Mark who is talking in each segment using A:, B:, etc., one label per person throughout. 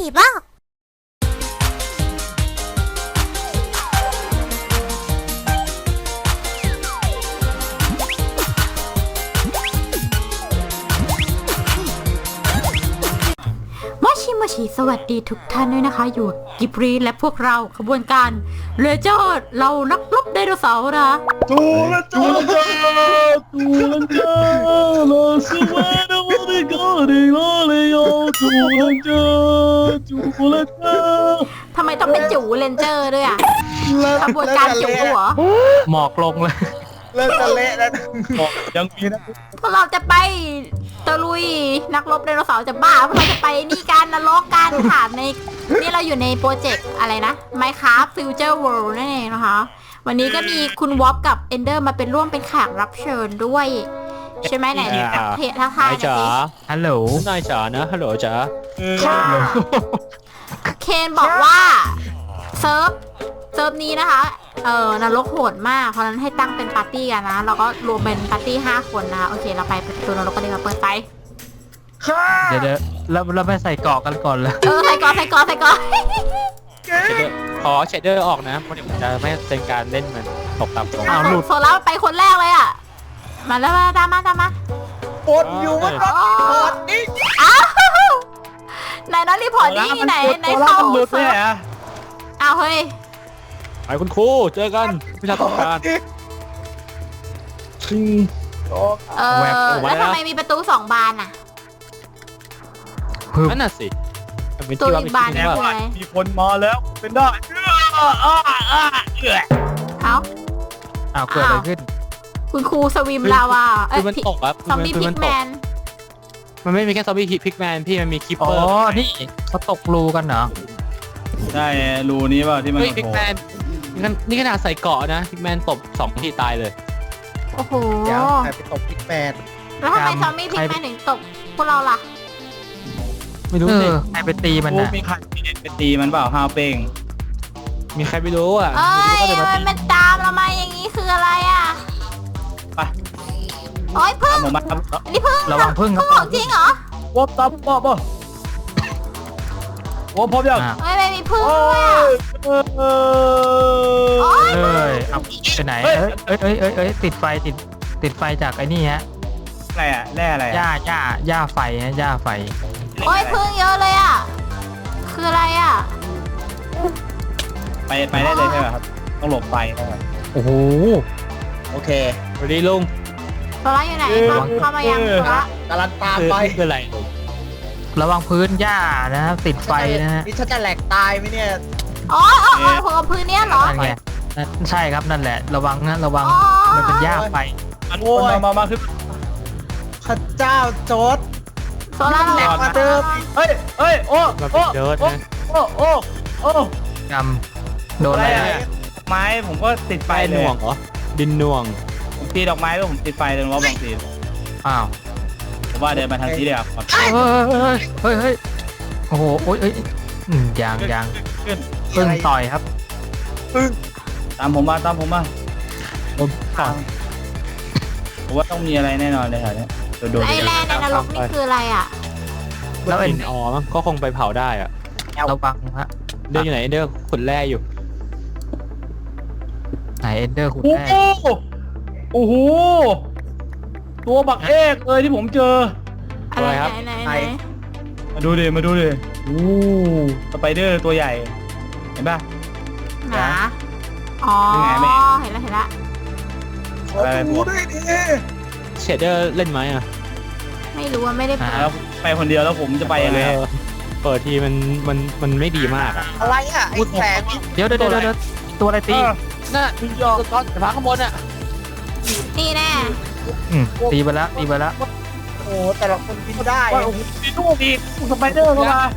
A: บ้ามาชิสวัสดีทุกท่านด้วยนะคะอยู่กิบรีและพวกเราขบวนการเลเจอร์เรานักรบไดโนเสาร์นะ
B: จูละจูละจูละจูละสวัสดีวันนี้ก็ได้เลยจูละจูละจู
A: ทำไมต้องเป็นจูเลนเจอร์ด้วยอ่ะขบวนการจูเหรอ
C: หมอกลงเลย
B: เลิกจะเละแล้วหมอกยังมีนะ
A: พวกเราจะไปตะลุยนักรบไดโนเสาร์จะบ้าพวกเราจะไปนี่การนรกการถามในนี่เราอยู่ในโปรเจกต์อะไรนะ Minecraft Future World นั่นเองนะคะวันนี้ก็มีคุณวอปกับเอนเดอร์มาเป็นร่วมเป็นแขกรับเชิญด้วยใช่ไหมไหนทักทายนะสิ
C: ฮัลโหลนายจ๋านะฮัลโหลจ๋า
A: เคนบอกว่าเซิร์ฟนี้นะคะนรกโหดมากเพราะนั้นให้ตั้งเป็นปาร์ตี้กันนะเราก็รวมเป็นปาร์ตี้5 คนนะโอเคเราไปประตูนรกกันเลยค่ะเปิดไฟ
C: เดี๋ยวเราไปใส่เกาะกันก่อนเลย
A: ใส่เกาะ
C: ขอเชดเดอร์ออกนะเพราะเดี๋ยวมันจะไม่เป็นการเล่นมันตกต่ำลง
A: หลุดโซล่าไปคนแรกเลยอ่ะมาแล้วตามมา
B: ปดอยู่มันปดนี่
A: อ้าวไหนน้องรีพอร์ตนี่ไหนเข้าอ้าวเฮ้ย
C: ไปคุณครูเจอกันวิชาต้องการ
A: แล้วทำไมมีประตู2 บานอ่ะ
C: นั่นน่ะสิ
A: ประตูอีกบานนึงเลย
B: มีคนมาแล้วเป็นได้
C: อ้าวเกิดอะไรขึ้น
A: คุณครูสวิมลาวา
C: มันตกครับ
A: ซอมบี้พิกแมน
C: มันไม่มีแค่ซอมบี้พิกแมนพี่มันมีคิปเปอร์นี่เขาตกรูกันเหรอ
B: ใช่รูนี้ป่ะที่มัน
C: พิกแมนนี่ขนาดใส่เกาะนะพิกแมนตบ2 ทีตายเลย
A: โอ้โห
B: ใครไปตบพิกแมน
A: แล้วทำไมซอมบี้พิกแมนถึงตบพวกเราล่ะ
C: ไม่รู้สิใครไปตีมันนะ
B: มีใครไปตีมันเปล่าฮาวเป้ง
C: มีใครไม่รู้อ่ะ
A: มันตามเรามาอย่างนี้คืออะไรอ่ะ
B: ไป
A: โอ้ยพึ่งนี่พึ่ง
C: ระวังพึ่ง
A: ของจริงเหรอ
B: วบตับวบวบพร้อมยัง
A: ไม่มีพึ่งเลย
C: เอ้ยเอาไปไหนติดไฟจากไอ้นี่ฮะ
B: อะไรอ่ะแร่อะไร
C: หญ้าไฟฮะหญ้าไฟ
A: โอ้ยพึ่งเยอะเลยอ่ะคืออะไรอ่ะ
B: ไปได้เลยใช่ไหมครับต้องหลบไฟ
C: โอ้โห
B: โอเค
C: สวัสดีลุง
A: โซล่าอยู่ไหนเข้ามายังโซล่าก
B: ำลังตามไป
C: คืออะไรระวังพื้นหญ้านะครับติดไฟนะฮะ
B: นี่ฉันจะแหลกตายไหมเนี่ย
A: อ๋อหัวพื้นเนี้ยเหรอ
C: ใช่ครับนั่นแหละระวังนะระวังมันเป็นหญ้าไฟ
B: มาคือพระเจ้าโจด
A: โซล่า
B: แหลกมาเดิมเฮ้ยโอ้
C: กำโดนอะไร
B: ไม้ผมก็ติดไฟ
C: หน่วงเหรอดินหน่วง
B: ผมตีดอกไม้แล้วผมติดไฟเลยว่าบางที
C: อ้าว
B: ผมว่าเดินมาทางนี้เดียว
C: เฮ้ยโอ้โหโอ้ยยังพึ่งต่อยครับ
B: ตามผมมาผมว่าต้องมีอะไรแน่นอนเลยค่ะเนี่ย
A: ไอแลนด์ในนรกนี่คืออะไรอ่ะ
C: แล้วหินก็คงไปเผาได้อ่ะระวังฮะเดินอยู่ไหนเดอร์ขุดแร่อยู่ไหนเดอร์ขุดแร่
B: โอ้โหตัวบักเอกเลยที่ผมเจอ
A: อะไรครับ
B: มาดูดิโอ้สไปเดอร์ตัวใหญ่เห็นป่ะ
A: อ๋อเห็นละ
B: อะไรพวก
C: เชดเดอร์เล่นไหมอ่ะ
A: ไม่รู้ว่าไม่ได้
B: ไปคนเดียวแล้วผมจะไปยังไง
C: เปิดทีมันไม่ดีมากอ่ะ
B: อะไรอ่ะไอ้แสง
C: เดี๋ยวตัวอะไรตีน่ะก้อนฝาข้างบนอ่ะ
A: นี่แน่
C: ตีไปแล้ว
B: โอ้แต่ละคนบินได้มีลูกอีกสไปเดอร์เข้ามา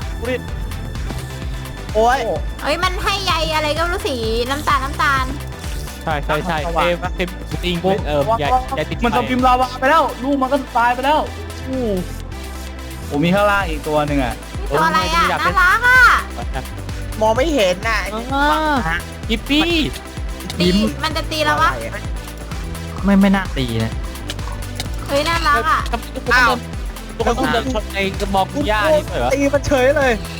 B: โอ้ย
A: มันให้ใยอะไรก็รู้สีน้ำตาล
C: ใช่เต็มติงใหญ่ติด
B: มันจะพิมพ์ลาวาไปแล้วลูกมันก็ตายไปแล้วผมมีข้างล่างอีกตัวหนึ่งอ่ะ
A: ตัวอะไรอ่ะน่ารักอ่ะ
B: มองไม่เห็นน่ะ
C: กิปปี้
A: มันจะตีแล้ววะ
C: ไม่น่าตีนะ
A: เฮ้ยน่ารักอ่ะ
C: อ้าวตัวต้องเดินชนในกระบอกหญ้านี่เหรอ
B: ตีมันเฉยเลย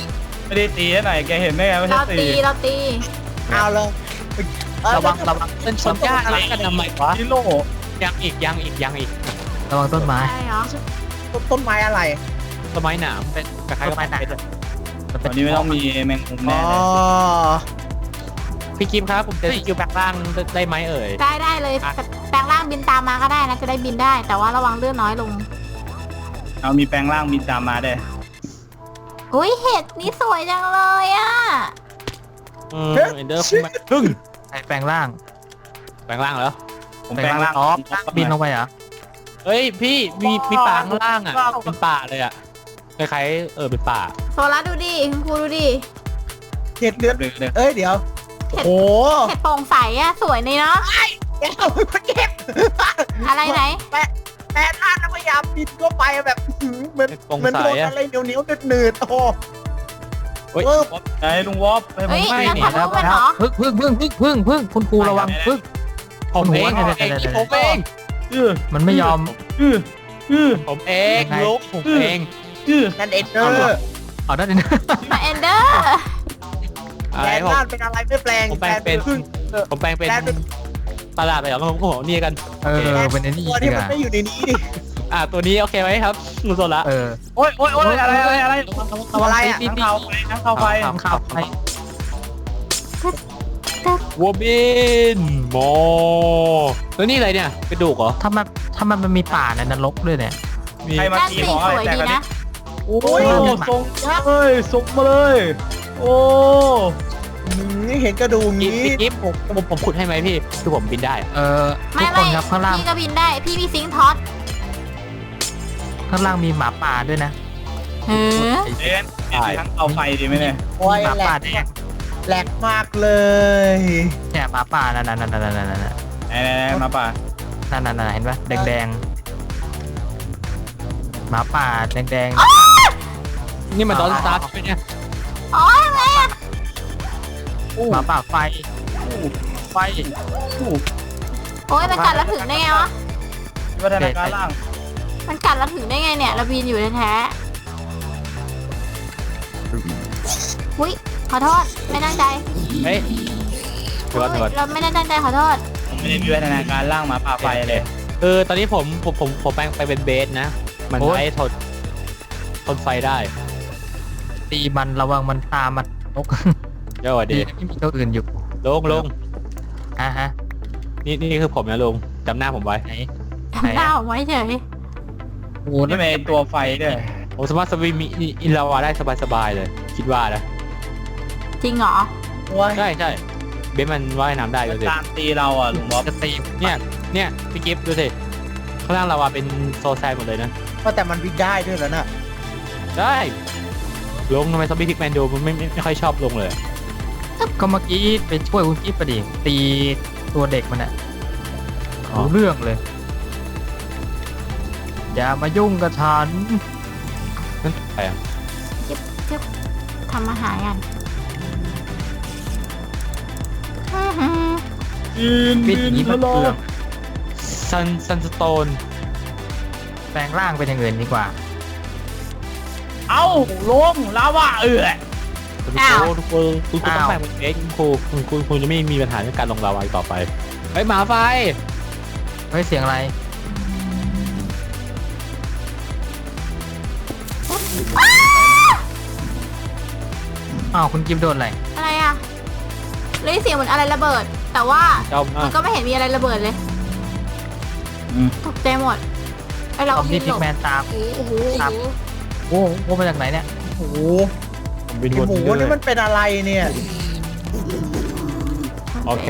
B: ไม่ได้ตีหน่อยแกเห็นได้ไงไม่ใช่
A: เรา
B: ตี
A: เราตี
D: เอาเลย
C: ระวังเป็นชนหญ้าอะไรกันทำไมวะ
B: ฮิโร่
E: ยังอีก
C: ระวังต้นไม้
A: ใช่เหรอ
D: ต้นไม้อะไร
E: ต้นไม้หนามเป็นคล้ายๆกับ
C: ต้นไม้หนาม
B: ตอนนี้ไม่ต้องมีแมงมุม
D: อ๋
B: แน่
D: อ
B: เลย
E: พี่กิมครับผมจะสกิลแปลงร่างได้ไหมเอ่ย
A: ได้เลยแปลงร่างบินตามมาก็ได้นะจะได้บินได้ แต่ว่าระวังเลือดน้อยลง
B: เอามีแปลงร่างมีตามมาได้วย
A: อุ้ยเห็ดนี่สวยจังเลยอ่ะ
E: เอนเดอร์คงมาพึ่ง
C: ใครแปลงร่าง
E: แปลงร่างเหรอ
B: ผมแปลงร่าง
C: อ๋อบินลงไปเหรอ
E: เฮ้ยพี่มีป่าข้างล่างอ่ะเป็นป่าเลยอ่ะคล้ายๆเป็นป่า
A: โซล่าดูดิคุณครูดูดิ
D: เห็ดเลือด
B: เลย
D: เอ้ยเดี๋ยวโอ้โห
A: เห็ดโปร่งใสอ่ะสวยนี่เนาะ
D: เดี๋ยวเก็บ
A: อะไรไหน
D: แม่ท่านพยายามบินเข้าไปแบบเหมือน
E: โปร่ง
D: เหมือน
E: ใส
D: โดน
E: อะ
D: อะไรเหนียวๆหนืดๆโอ้โห
E: เฮ้ย
B: ไหนลุงวอฟให้ผม
A: เฮ้ย
B: ให้
A: นั่น
B: นี่
A: ทะลุมันเหรอ
C: พึ่งคุณครูระวังพึ่ง
E: ผมเอง
C: โอ้โห
E: ผมเอง
C: มันไม่ยอม
E: ผมเอง
C: ยังไง
E: ลูกผมเอง
D: นั่นเอ็ดเดอร์
C: เอาได้ดิ
A: มาเอนเดอร์
E: อะไร
D: แปลง
E: ผม
D: ร่างเป็นอะไรไม่แปลง
E: ผมแปลงเป็น
D: พึ่ง
E: ผมแปลงเป็น
D: แปลงเป็น
E: ตลาดไปเหรอผมบอกนี่กัน
C: เป็นไอ้นี่
D: ตัว
C: ดี
D: ที่
C: ก
D: มัน
C: ว่า
D: ไม่อยู่ในนี้ดิ
E: ตัวนี้โอเคไหมครับลุงโซละ
B: โอ้ยอะไร
D: อะไรอ่ะ
B: ทั้งเข้าไฟทั้งเข้าไฟ
C: ทำข่าวไป
E: วัวบินโมแล้วนี่อะไรเนี่ยกระดูกเหรอ
C: ถ้ามันมีป่าในนรกด้วยเนี่ย
E: มี
B: ใครมา
A: นั่น
B: ตี
A: สี
B: ของ
A: ส
B: อะไร
A: วย
B: แตก
A: ดี
B: กันนี่
A: นะ
B: โอ้ส่งส่งมาเลย โอ้
D: เห็นกระดูก
E: กิ
D: งี้
E: ฟกิฟผมขุดให้ไหมพี่คือผมบินได้
C: ทุกคนครับข้างล่าง
A: พี่ก็บินได้พี่มีซิงค์ท็อต
C: ข้างล่างมีหมาป่าด้วยนะ
A: เฮ้อ
B: เอ็นทั้งเอาไฟดีไหมเนี่ย
D: โอ้ย
C: หมา
D: แหล
C: ป่าก แดง
D: แหลกมากเลย
C: เนี่ยหมาป่านั่น
B: ไหนมาป่า
C: เห็นปะแดงหมาป่าแดง
E: นี่มันดอนสตาร์ใช่ไหมเนี่ย
A: อ๋ออะไรอ่ะ
C: หมาป่าไฟ
A: โอ้ยมันกัดเราถึงได้ไงวะ
B: วัฒนาการล่าง
A: มันกัดเราถึงได้ไงเนี่ยเราบินอยู่แท้ๆอุ้ยขอโทษไม่ตั้งใจ
E: เฮ้ยเดี๋ยวก่อน
A: เราไม่ได้ตั้งใจขอโทษ
B: ผมไม่ได้มีวัฒนาการล่างมาป่าไฟเลย
E: ตอนนี้ผมแปลงไปเป็นเบสนะ มันใช้ทนไฟได้
C: ตีมันระวังมันตามมันนก
E: เดี๋ยวดี
C: ไม่มีตัวอื่นอยู่
E: ลง
C: ฮะ
E: นี่คือผมนะลุงจำหน้าผมไว้
C: ไหน
A: หน้าผมไว้เฉย
C: โอ้
B: นี่เป็นตัวไฟด้วย
E: ผมสามารถสวิมอินลาวาได้สบายๆเลย คิดว่านะ
A: จริงเหรอ
D: โอ้ย
E: ใช่เบสมันว่ายน้ำได้ดูสิ
B: ตามตีเราอ่ะลุงวอฟ
C: จะตี
E: เนี่ยพี่กิฟต์ดูสิข้างล่างลาวาเป็นโซแซนหมดเลยนะ
D: ก็แต่มันวิ่งได้ด้วยแล้วน่ะ
E: ได้ลงทำไมซอมบี้พิกแมนดูมันไม่ค่อยชอบลงเลย
C: ก็เมื่อกี้ไปช่วยคุณกิ๊ฟประดิตีตัวเด็กมันอะรู้เรื่องเลย อย่ามายุ่งกับฉัน
E: นั่นใครอ่ะ
A: จึ๊บทำอาหารกัน
C: ปิดอย่างนี้มันเปลือง
E: ซันสโตน
C: แปลงร่างเป็นอย่างอื่นดีกว่า
B: เอ้าลงลาวา
E: ทุกคนคุณต้องแบ่งเป็นเอ็กคุณจะไม่มีปัญหาเรื่องการลงลาวาต่อไปเฮ้ยหมาไฟ
C: เฮ้ยเสียงอะไรอ้าวคุณกิฟโดนอะไร
A: อะไรอ่ะเลยเสียงเหมือนอะไรระเบิด แต่ว่า
E: เจ้า
A: มันก็ไม่เห็นมีอะไรระเบิดเลยตกใจหมดไอเรา
C: ซ
A: ก็
C: อม
A: บิ
C: บี้
A: น
C: พิ
A: หล
C: ก
A: บ
C: แมนตาม
A: โอ้โห
C: ครับ โอ้โหมาจากไหนเนี่ย
D: โอ้โห
E: ผมบิน
D: ไอ้
E: วน
D: หมู
E: เรื่
D: นี่
E: อย
D: มันเป็นอะไรเนี่ย
E: โอเค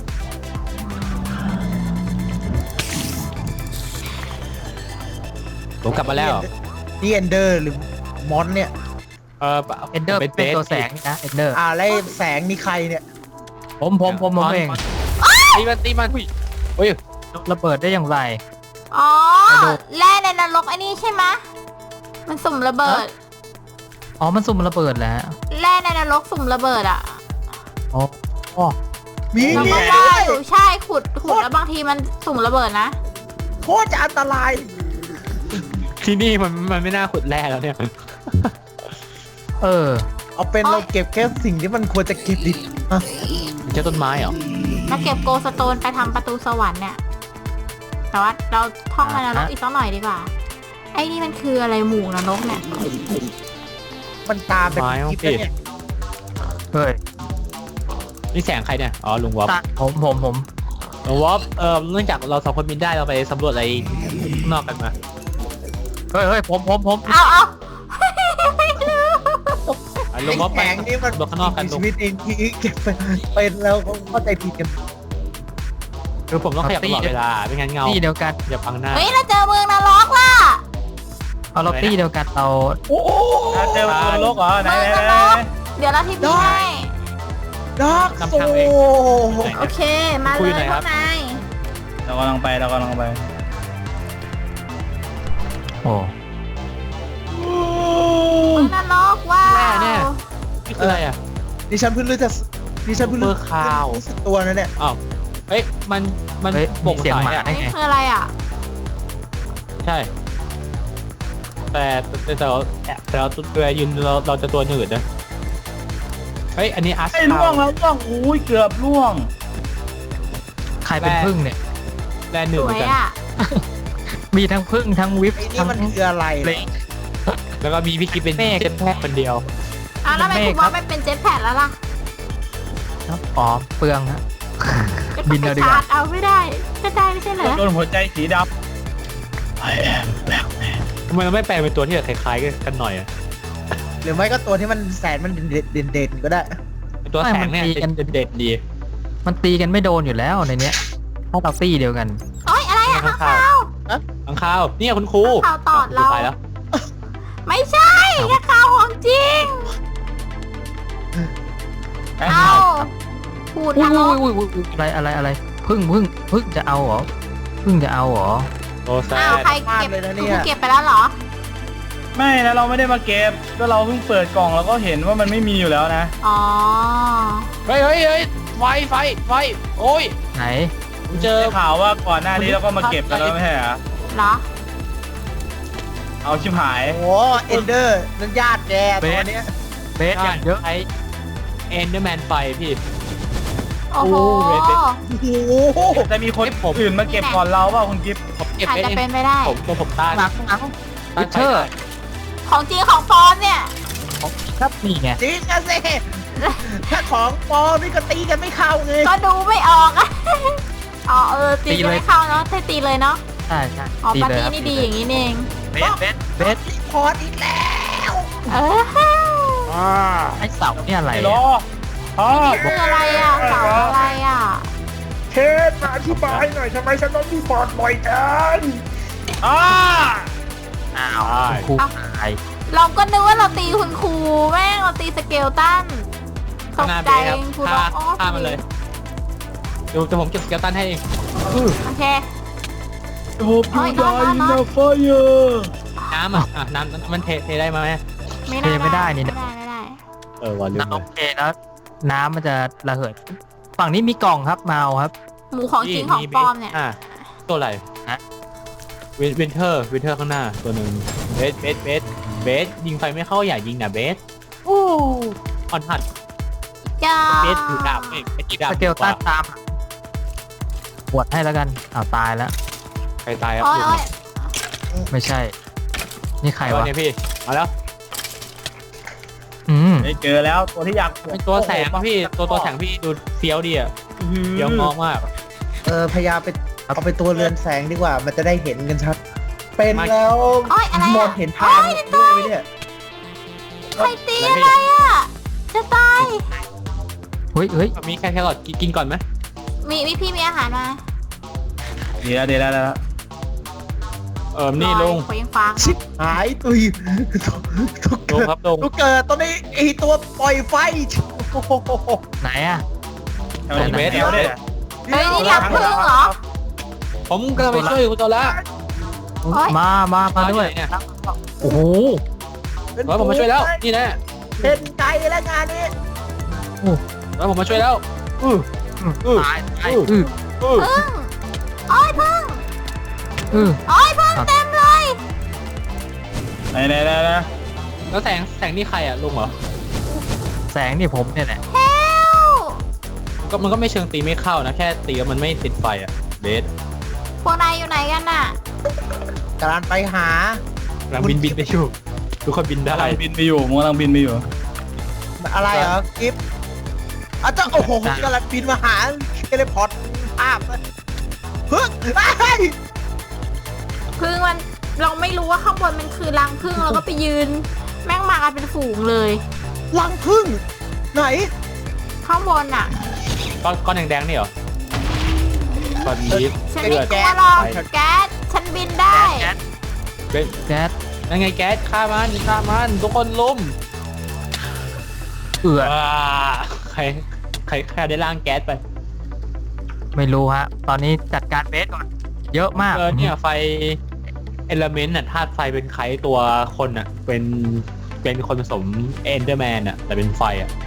E: ผมกลับมาแล้ว
D: นี่เอนเดอร์หรือมอนเนี่ย
C: เอนเดอร์เป็นตัวแสงนะเอนเดอร์
D: อะไรแสงนี่ใครเนี่ย
C: ผมเอง
E: ตีมันเฮ้ย
C: ระเบิดได้อย่างไร
A: อ๋อ
C: ไปดู
A: แร่ในนรกไอ้นี่ใช่ไหมมันสุ่มระเบิด
C: อ๋อมันสุ่มระเบิดแล้ว
A: แร่ในนรกสุ่มระเบิดอ่ะ
C: อ๋อ
D: มี
A: เรา
D: มี
A: ก็
D: ด้
A: ว่า
D: วย
A: อยู่ใช่ขุดแล้วบางทีมันสุ่มระเบิดนะ
D: โคตรจะอันตราย
E: ที่นี่มันไม่น่าขุดแร่แล้วเนี่ย
C: เออ
D: เอาเป็นเราเก็บแค่สิ่งที่มันควรจะเก็บดิอ่ะ
E: ใช่ต้นไม้เหรอ
A: มาเก็บโกสโตนไปทำประตูสวรรค์เนี่ย แต่ว่าเราท่องมานรกอีกสักหน่อยดีกว่า ไอ้นี่มันคืออะไรหมู่นรกเนี่ย
D: มันตามแบบ
E: ไม้ของ
D: คลิป
E: พี่
D: เนี่ย
C: เฮ้ย
E: นี่แสงใครเนี่ยอ๋อลุงวอฟ
C: ตาผม
E: ลุงวอฟเนื่องจากเราสองคนบินได้เราไปสำรวจอะไรข้างนอกกันมา
C: เฮ้ยผม
A: เอา
E: ลุงวอฟไป
D: แข็งนี่มัน
E: สำรวจข้างนอกกัน
D: มี
E: ลุ
D: ชี
E: ง
D: วิตเองที่เก็บเป็นแล้วเข้าใจผิดกัน
E: คือผมต้องขยับตลอดเวลาไม่งั้นเงา
C: ตี้เดียวกัน
E: อย่าพังหน้า
A: เฮ้ยเราเจอเมืองนรกล่ะ
C: เอาเราตี้เดียวกันเรา
B: โอ้โหเจอตัวโลกเหรอไหน
A: เมืองนรก เดี๋ยวเราทีพีให้
D: ดาร์กโซ
A: โอเค มาเลยพวกนาย
B: เรากำลังไป
C: โอ้
A: เมืองนรกว้าว
E: นี่คืออะไรอ่ะ
D: ดิฉันเพิ่งรู้สึก
E: เบอร์คาว
D: รู้สึกตัวนะเนี่ย
E: อ้าวเฮ้ยมัน
C: เฮ้ย
E: โปร่ง
C: เสียง
E: ใส
C: หมา
E: อ่ะ
C: ได้
A: นี่
C: ไง
A: คืออะไรอ่ะ
E: ใช่ แต่เราตัวยืนเราจะตัวหนืดนะเฮ้ยอันนี้อาร์ต
B: ไอ้ล่วงแล้วล่วงอุ้ยเกือบล่วง
C: ใครเป็นพึ่งเนี่ย
E: แลนหนื
A: ส
E: ดเห
A: ว
E: มือย นกัน
A: อ่ะ
C: มีทั้งพึ่งทั้งวิป
D: ไอ้นี่
C: ทั้ง
D: มันคืออะไร
C: เล็ก
E: แล้วก็มีพี่กิ๊ฟเป็น
C: เมฆ
E: เจ็ตแพทคนเดียว
A: อ้าวแล้วทำไมคุณว่าไม่เป็นเจ็ตแพดแล้วล่ะ
C: ครับอ๋อเปลืองฮะ
A: ก็
C: บิ
A: ต้อง
C: น
A: ไป
C: เอาดีกว่า
A: ชาร์จเอาไม่ได้ ก็ได้ไม่ใช่เหรอ
B: โดนหัวใจสีดำ I am black man
E: ทำไมเราไม่แปลเป็นตัวที่แบบคล้ายๆกันหน่อยอ่ะ
D: หรือไม่ก็ตัวที่มันแสนมันเด่นๆก็ได้
E: เป็นตัวแสงเนี่ยเด็ดดี
C: มันตีกันไม่โดนอยู่แล้วในเนี้ยถ้าเราตี้เดียวกัน
A: โอ๊ยอะไรอ่ะข้างคาว
E: ข้างข้าวเนี่ยคุณครู
A: ข้างคาวตอดเรา
E: ไปแล้ว
A: ไม่ใช่ข้างคาวของจริง เอาพูด
C: อุ้
A: น
C: ย
A: รก
C: อะไรพึ่งจะเอาเหรอพึ่งจะเอาเหรอ
E: โตแซ
A: อ้าว
E: ด
A: ใครเก็บคุณเก็บไปแล้วเหรอ
B: ไม่นะเราไม่ได้มาเก็บก็เราเพิ่งเปิดกล่องแล้วก็เห็นว่ามันไม่มีอยู่แล้วนะ
A: อ๋อ
E: เฮ้ยไฟโอ้ย
C: ไหน
E: ผมเจอ
B: ได้ข่าวว่าก่อนหน้านี้เราก็มาเก็บกันแล้วไม่ใช่เหรอ
A: เหรอ
B: เอาชิบหาย
D: โอ้โหเอนเดอร์นั่นญาติแกตัวเนี้ย
C: เบสอย่างเยอะ
E: ไอเอนเดอร์แมนไฟพี่
A: โอ้โห
E: โอ้เว็บ
D: โอ้โห
B: แต่มีคนอื่นมาเก็บก่อนเราเปล่าคุณกิฟต์
E: ผมเก็บ
A: อาจ
E: ไว้
A: จะ
E: เอง
A: เป็นไปได้
E: ผมต้าน
C: หลังวิเชอร์
A: ของจริงของปลอมเนี่ย
C: ครับนี่ไง
D: จริงอะสิถ้าของปลอมนี่ก็ตีกันไม่เข้าไง
A: ก็ดูไม่ออกอะ อ๋อตีกันไม่เข้าเนาะตีเลยเนาะ
C: ใช่
A: อ๋อ
C: ตี
A: ปาร์
C: เลย
A: ตี้นี่ดีอย่างนี้เอง
C: เบส
D: รีพอร์ตอีกแล้ว
A: เออ
C: ไอเสาเนี่ยอะไร
B: ไอ้ล้อพ่อ
A: นี่คืออะไรอ่ะเสาอะไรอ่ะ
F: เทสมาอธิบายหน่อยทำไมฉันต้องรีพอร์ตบ่อยจัง
B: อ้า
C: อ้าวครูตาย
A: เราก็นึกว่าเราตีคุณครูแม่งเราตีสเกลตันต
E: ข้าง
A: ก
E: หน้า
A: ใจ
E: เบสครับ
A: ครูร้องอ๋อ
E: ฆ่ามันเลยดูแต่ผมเก็บสเกลตันให้เอง
A: โอเค
B: โอ้พี่ดายอินเดอะไฟเออร์
E: น้ำน้ำมันเทได้ไหม
A: ไม่ได้ไม่ได้
E: วันลืม
C: น้ำโอเคแล้วน้ำมันจะระเหิดฝั่งนี้มีกล่องครับมาเอาครับ
A: หมูของจริงของปลอมเนี่ย
E: ตัวอะไร
C: ฮะ
E: วินเทอร์ข้างหน้าตัวหนึ่งเบสยิงไฟไม่เข้าอย่ายิงนะเบสออนหัด
A: จ้า
E: เบสถือดาบไม่ถือดาบ
C: สเกลตันตามปวดให้แล้วกันอ้าวตายแล้ว
E: ใครตายครับ
A: โอ้ยโอ้ย
C: ไม่ใช่ นี่ใครวะ
E: เนี่ยพี่มาแล้ว
B: ไม่เจอแล้วตัวที่อยาก
E: เป็นตัวแสงพี่ตัวแสงพี่ดูเฟี้ยวดีอ่ะเฟี้ยวงอกมาก
D: พยายามไปเอาไปตัวเรือนแสงดีกว่า มันจะได้เห็นกันชัด เป็นแล้ว
A: โอ้ยอะไร
D: มอ
A: อ่ะ
D: งเห็นทางด้วยไหมเนี่ย
A: ใครตีอะไรอ่ะ จะตาย
C: เฮ้ย
E: มีแค่แครอทกินก่อนไหม
A: มีพี่มีอาหารมา
B: เดี๋ยวแล้ว
E: นี่ลุง
A: ขยังฟัง
D: ชิบหายตุยทุก
E: ลุงครับลุง
D: ทุกเกิดตอนนี้ไอตัวปล่อยไฟโอ้โห
C: ไหนอ่ะ
B: แถวนี้เบสแถวเนี่ย
A: เฮ้ยนี่รับพึ่งเหรอ
E: ผมกำลังไปช่วยคุณตัวละ
A: โอ๊ย
C: มาด้วย
E: เนี่ย
C: โอ้โห
E: ผมมาช่วยแล้วนี่นะ
D: เห็นใจแล้วงานนี้
E: ผมมาช่วยแล้ว
C: ตาย
A: พึ่งโอ้ยพึ่งโอ้ยพึ่งเต็มเลย
B: ไหน
E: แล้วแสงนี่ใครอ่ะลุงเหรอ
C: แสงนี่ผมเนี่ยแหละ
E: มันก็ไม่เชิงตีไม่เข้านะแค่ตีแล้วมันไม่ติดไฟอะเบส
A: พวกนายอยู่ไหนกันน่ะ
D: กำลังไปหา
E: กำลังบินไปอยู่ทุกคนบินได้
B: กำลังบินไปอยู่ผมกำลังบินไปอยู่
D: อะไรเหรอกิฟอาจจะโอ้โหกำลังบินมาหาเทเลพอร์ตภาพเฮ้ย
A: พึ่งมันเราไม่รู้ว่าข้างบนมันคือรังพึ่งเราก็ไปยืน แม่งมากันเป็นฝูงเลย
D: รังพึ่งไหน
A: ข้างบนอ่ะ
E: ก้อนแดงๆนี่เหรอก้อนลิฟ
A: ฉัน
E: เลื
A: ไม่
E: อด
A: กลัวหรอกแก๊สฉันบินได้
E: เบส
C: แก๊ส
E: นั่นไงแก๊สฆ่ามันทุกคนลุม
C: เอือ
E: ว้าใครได้ล่างแก๊สไป
C: ไม่รู้ฮะ ตอนนี้จัดการเบสก่อน เยอะมาก
E: เนี่ยไฟเอลเมนต์น่ะธาตุไฟเป็นใครตัวคนน่ะเป็นคนผสมเอนเดอร์แมนน่ะแต่เป็นไฟอ่ะ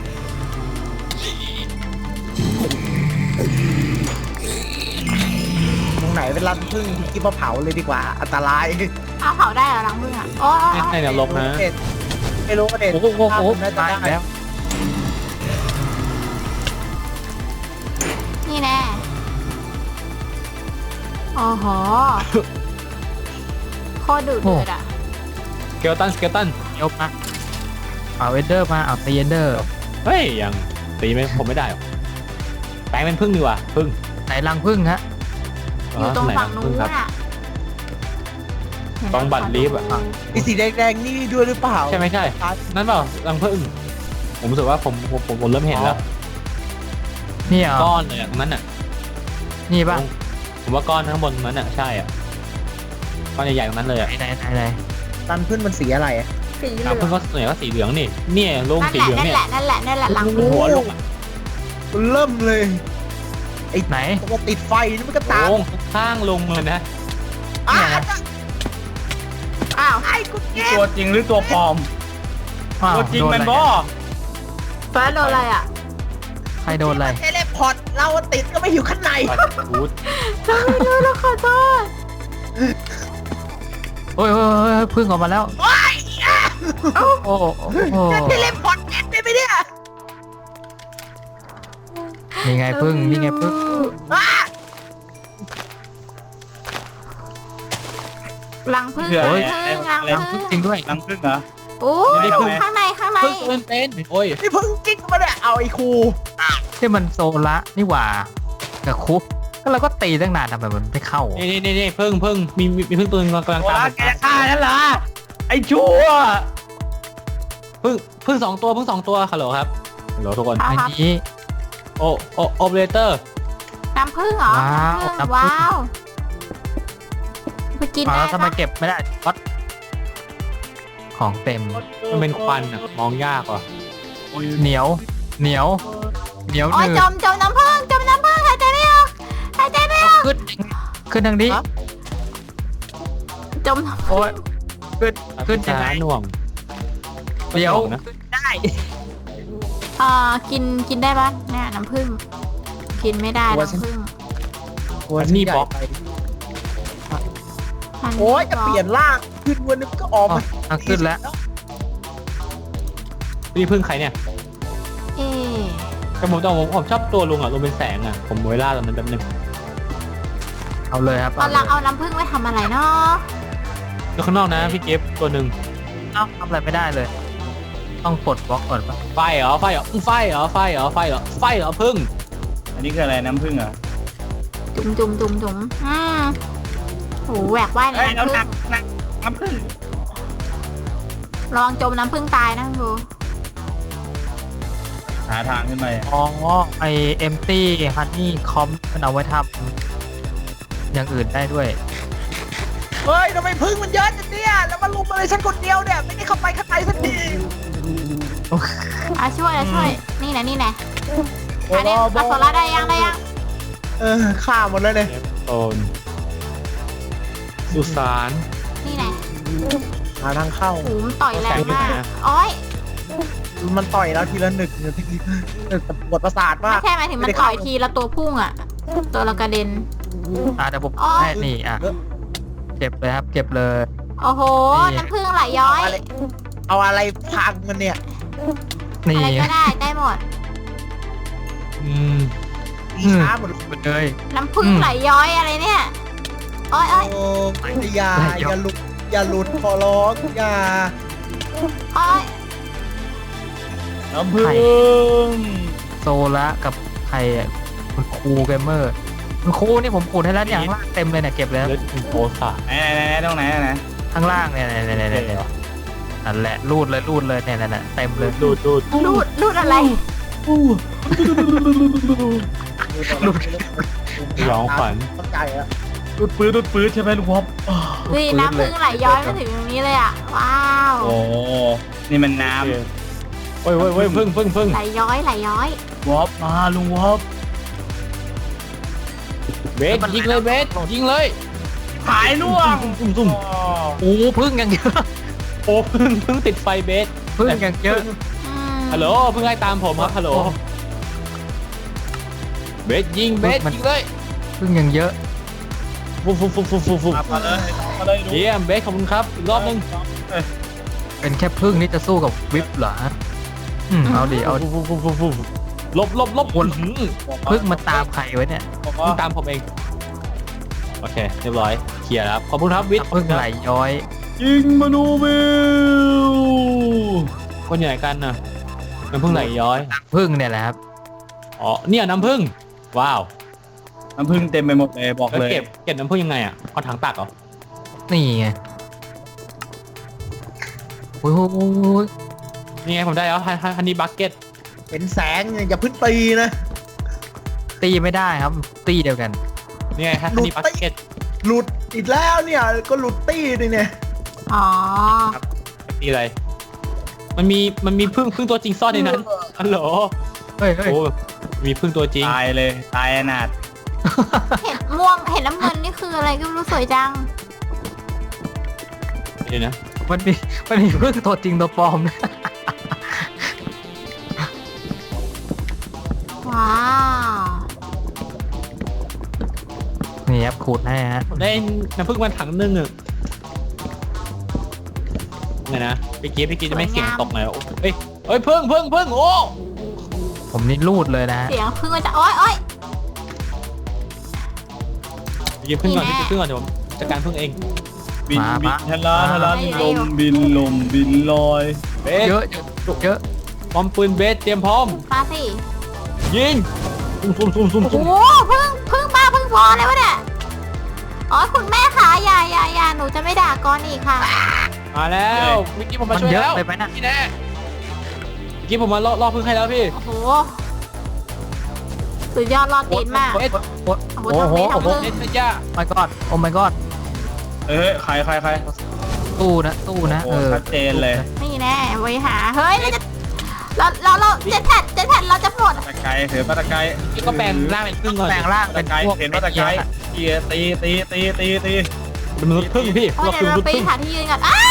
D: ตรงไหนเป็นรังพึ่งที่กิฟมาเผาเลยดีกว่าอันตราย
A: เอาเผาได้เหรอรังพึ่งอ่ะโอ้ย
E: ในนรกนะ
D: ไม่รู้ประเด็น
C: โอ้โหโอ้โห
D: น่าจะ
C: ตาย
D: ได้
C: แล้ว
A: นี่แน่โอ้โหโคตรดุเดือดอ่ะ
E: สเกลตัน
C: ยกมาเอาเอนเดอร์มาเอาตีเอนเดอร์
E: เฮ้ยยังตีไม่ผมไม่ได้หรอกแปลงเป็นพึ่งดีกว่าพึ่ง
C: ไหนรังพึ่งฮะ
A: อยู่ตรง
E: ไห
A: ฝั่งนู้
E: พึ่
A: น
E: ครับ
A: อ่ะเห็นไหม
E: ตรงบัตรลิฟต์อะ
D: ไอสีแดงๆนี่ด้วยหรือเปล่า
E: ใช่ไหมใช่นั่นเปล่ารังพึ่งผมรู้สึกว่าผมเริ่มเห็นแล้ว
C: นี่เหรอ
E: ก้อนเลยอะตรงนั้นอ่ะ
C: นี่ป่ะ
E: ผมว่าก้อนข้างบนนั้นอ่ะใช่อ่ะก้อนใหญ่ๆตรงนั้นเลยอ่ะ
C: ไหน
D: รังพึ่งมันสีอะไรอะ
A: สีเหลื
E: รั
A: อง ง
E: พึ่งก็เหนือก็สีเหลืองนี่เนี่ยลงสีเหลือง
A: นั่น
E: เนี่ย
A: แหละนั่นแหละนั่นแหละรังพึ่ง
E: หัวลงอะ
D: เริ่มเลย
C: ไหน
D: ตัวติดไฟนี่มันก็ตาม
E: ลงข้างลงเลยนะ
D: อ้า
A: อ้าว
D: ไอ้กูเก็บ
B: ตัวจริงหรือตัวปลอม
C: อ้าว
B: ตัวจริง
C: โดน
B: มัน
C: อะไร
B: บ่
A: ฟ้าโดนอะไรอ่ะ
C: ใครโดนอะไร
D: เทเลพอร์ตเราติดก็ไม่อยู่ข้างใน
E: ปัดบูท
A: ฉันไม่รู้แล้วขอโทษ
C: โอ้ยพึ่งออกมาแล้ว
D: โอ้ย
C: โอ้โห
D: เทเลพอร์ตเอ็ดได้ไหมเนี่ย
C: นี่ไงพึ่งนี่ไงพึ่ง
D: อ้า
A: รังพึ่ง
B: เผื่อ
A: รัง
B: อะไร
A: พึ่งรัง
B: อะไร
A: พึ่ง
C: จริงด้วย
B: รังพึ่งเหรอ
A: โอ้ย
B: ไม่พึ่ง
A: ข้างในข้างใน
E: พึ่งเป็นโอ้ย
D: นี่เพึ่งจริงมาเนี่ยเอาไอ้ครู
C: ที่มันโซละนี่หว่ากับคุกก็เราก็ตีตั้งนานทำไมมันไม่เข้า
E: นี่พึ่งมีพึ่งตัวนึงกำลัง
B: โอ้
E: ตาม
B: ยแกจะฆ่าฉันเหรอไอ้ชั่ว
E: พึ่งสองตัวฮัลโหลครับฮัลโหลทุกคน
A: ครับ
C: อันนี้
E: โอเปอเรเตอร์
A: น้ำพึ่งเหรอ
C: ว้าว
A: น้ำพึ่ง
C: น้ำผึ้ง
A: ว้าวไปกิน
C: มา
A: ได้
C: แล้วทำไม
A: ปะ
C: เก็บไม่ได้วัดของเต็ม
E: มันเป็นควันอ่ะมองยากว่ะ
C: เหนียวห
A: โอ้ย
C: นืด
A: จมน้ำพึ่งหายใจไม่ออกหายใจไม่ออก
C: ขึ้นทางนี้
A: จมน้ำ
C: โอ้ยขึ้นยังไง
E: หน่วง
C: เดี๋ยว
E: นะ
C: ขึ้นได้
A: กินได้ปะเนี่ยน้ำพึ่งกินไม่ได้น้ำพึ่ง
E: อันนี้บล็อก
A: อันนี้
D: โอ้ยจะเปลี่ยนร่างขึ้นวันนึงก็ออก
C: อ๋อ
D: มา
C: อ่ะขึ้นแล้ว
E: นี่พึ่งใครเนี่ย
A: เอ๊ะ
E: แต่ผมชอบตัวลุงอ่ะลุงเป็นแสงอ่ะผมเวลาตอนนั้นแป๊บนึง
C: เอาเลยครับ
A: ตอนหลังเอาน้ำพึ่งไว้ทำอะไรเนาะ
E: แล้วข้างนอกนะพี่เก็บตัวหนึ่ง
C: เอาทำอะไรไม่ได้เลย ต้องปลดบล็อกก่อนปะ
E: ไฟเหรอพึ่ง
B: อันนี้คืออะไรน้ำพึ่งเหรอ
A: จุ่มโหแหวกว่ายใน
B: เฮ้ยแล้ว
A: น้ำพึ่ง
B: หนักน้ำพึ่ง
A: ระวังจมน้ำพึ่งตายนะดู
B: หาทางขึ้นไป
C: อ๋อไอเอมตี้ฮันนี่คอมมันเอาไว้ทำอย่างอื่นได้ด้วย
D: เฮ้ยทำไมพึ่งมันเยอะจังเนี่ยแล้วมาลุมอะไรฉันคนเดียวเนี่ยไม่ได้เข้าไปข้างในสักที
A: ช่วยนี่นะอันนี้มาโซล่าได้ยัง
D: ฆ่าหมดแล้วเนี่ย
E: โอนสุสาน
A: นี่นะ
D: หาทางเข้า
A: หูมันต่อยแรงมาก
E: แสงอยู่ไหนอะ
A: โอ้ย
D: มันต่อยแล้วทีละหนึ่งปวดประสาทมา
A: ไม่
D: ก
A: ใช่หมายถึงมันต่อยทีละตัวพุ่งอ่ะ ตัวละกระเด็น
C: เดี๋ยวผม
A: อ๋อ
C: ให้นี่เก็บเลยครับ เก็บเลย
A: โอ้โห
C: นี่
A: น้ำพึ่งไหลย้อย
D: เอาอะไรพังมันเนี่ย
C: นี่
A: อะไรก็ได้ได้หมด
E: อืม
D: อีช้าหมด
C: ไปเลย
A: น้ำผึ้งไหลย้อยอะไรเนี่ยโอ้ย
D: โอ้อย่าหลุดอย่าหลุดขอร้องอย่า
A: โอ้ย
B: น้ำผึ้ง
C: โซละกับใครอ่ะคุณครูเกมเมอร์คุณครูนี่ผมขุดให้แล้วอย่างล่างเต็มเลยเนี่ยเก็บแล้ว
E: แล้วเป็นโพสอะ
B: ไหนตรงไหนไหน
C: ข้างล่างเนี่ยนั่นแหละรูดเลยเนี่ยนั่นแหละเต็มเลย
E: ดูด
A: รูดอะไร
E: ร้องขวัญ
D: เข้าใจอะ
B: ดูดปื๊ดใช่ไหมลุงวอป
A: นี่น้ำผึ้งไหลย้อยมาถึงตรงนี้เลยอ่ะว้าว
B: โอ้นี่มันน้
E: เว้ยพึ่ง
A: ไหลย้อยไหลย้อย
B: ำวอปมาลุงวอป
E: เบสยิงเลยเบสยิงเลย
B: หายล่วง
E: ซุ่ม
C: โอ้พึ่งยังเยอะ
E: โอ้พึ่งติดไฟเบส
C: พึ่งยังเยอะ
A: อืม
E: ฮัลโหลพึ่งไล่ตามผมครับฮัลโหลเบสยิงเบสยิงเลย
C: พึ่งยังเยอะ
E: ฟุบ
B: มาเลยดู
E: เยี่ยมเบสขอบคุณครับอีกรอบนึง
C: เป็นแค่พึ่งนี่จะสู้กับวิปเหรอเอาดิเอา
E: ลบ
C: พึ่งมาตามใครไว้เนี่ย
B: บอก
E: พึ่
B: ว่าง
E: ตามผมเองโอเคเรียบร้อยเคลียร์แล้วขอบคุณครับวิทย์
C: พึ่งไหลย้อย
B: ยิงมนูมิล
E: คนใหญ่กันนะน้ำพึ่งไหลย้อย
C: พึ่งเนี่ยแหละครับ
E: อ๋อเนี่ยน้ำพึ่งว้าว
B: น้ำผึ้งเต็มไปหมดเลยบอก
E: แล้ว
B: เลย
E: เก็บน้ำพึ่งยังไงอ่ะเอาถังตักเหรอ
C: นี่ไงโอ้ย
E: นี่ไงผมได้แล้วฮันนี่บักเก็ต
D: เห็นแสงอย่าพึ่งตีนะ
C: ตีไม่ได้ครับตีเดียวกัน
E: นี่ไงฮันนี่บักเก็ต
D: หลุดอีกแล้วเนี่ยก็หลุดตี้ดิเนี่ย
A: อ๋อ
E: ตีอะไรมันมีพึ่งตัวจริงซ่อนในนั้นฮัลโหล
C: เฮ้ย
E: โอ้มีพึ่งตัวจริง
B: ตายเลยตายอนาถ
A: เห็นม่วงเห็นน้ำเงินนี่คืออะไรก็ไม่รู้สวยจัง
E: เดี๋ยวนะ
C: มันมีพึ่งตัวจริงตัวปลอมนะ
A: ว้าว
C: นี่ครับขูดให้ฮะ
E: ผมได้น้ำพึ่งมาถังนึงอ่ะไงนะเมื่อกี้จะไม่เสียงตกหน่อยเอ้ยพึ่งโอ้
C: ผมนี่รูดเลยนะฮะ
A: เสียงพึ่งมันจะโอ้ย
E: ยิงพึ่งก่อนพี่พึ่งก่อนเดี๋ยวผมจัดการพึ่งเอง
B: บินทะลาลมบินลอย
E: เบส
C: เยอะ
E: พร้อมปืนเบสเตรียมพร้อม
A: มาสิ
E: ยิงซุ่ม
A: โอ้โหพึ่งบ้าพึ่งพอเลยวะเนี่ยอ๋อคุณแม่ขาอย่าหนูจะไม่ด่าก้อนอีกค่ะ
E: มาแล้วเมื่อกี้ผม
C: มั
E: มาน ช่วย
C: เยอะ
E: แล้ว
C: ไปไหมนะ
E: นี่แน่เมื่อกี้ผมมาล่อพึ่งให้แล้วพี่
A: โอ้โหสุดยอดรอดตีนมาก
E: เบส
A: โอ้โหทำเบทำมือ
E: เบสย่า
C: my god โอ้ my god
B: ใคร
C: ตู้นะ
B: โอ้ชัดเจนเลย
A: นี่แน่ไว้หาเฮ้ยเราเจ็ดแผ่นเราจะหมด
B: ตะไคร้เถือปลาไคร้
E: พี่ก็แปลงร่างเป็นพึ่งก่อน
C: แปลงร่างเป็นพวก
B: เห็นปลาไคร้ตี
E: เป็นมนุษย์พึ่งพี่
A: โอ้ย
E: เรา
A: เดี๋
E: คื
A: ยว
E: อม
A: เรา
E: นุษย์
A: ไป
E: พึ่ง
A: หาที่ยืนกันอ้า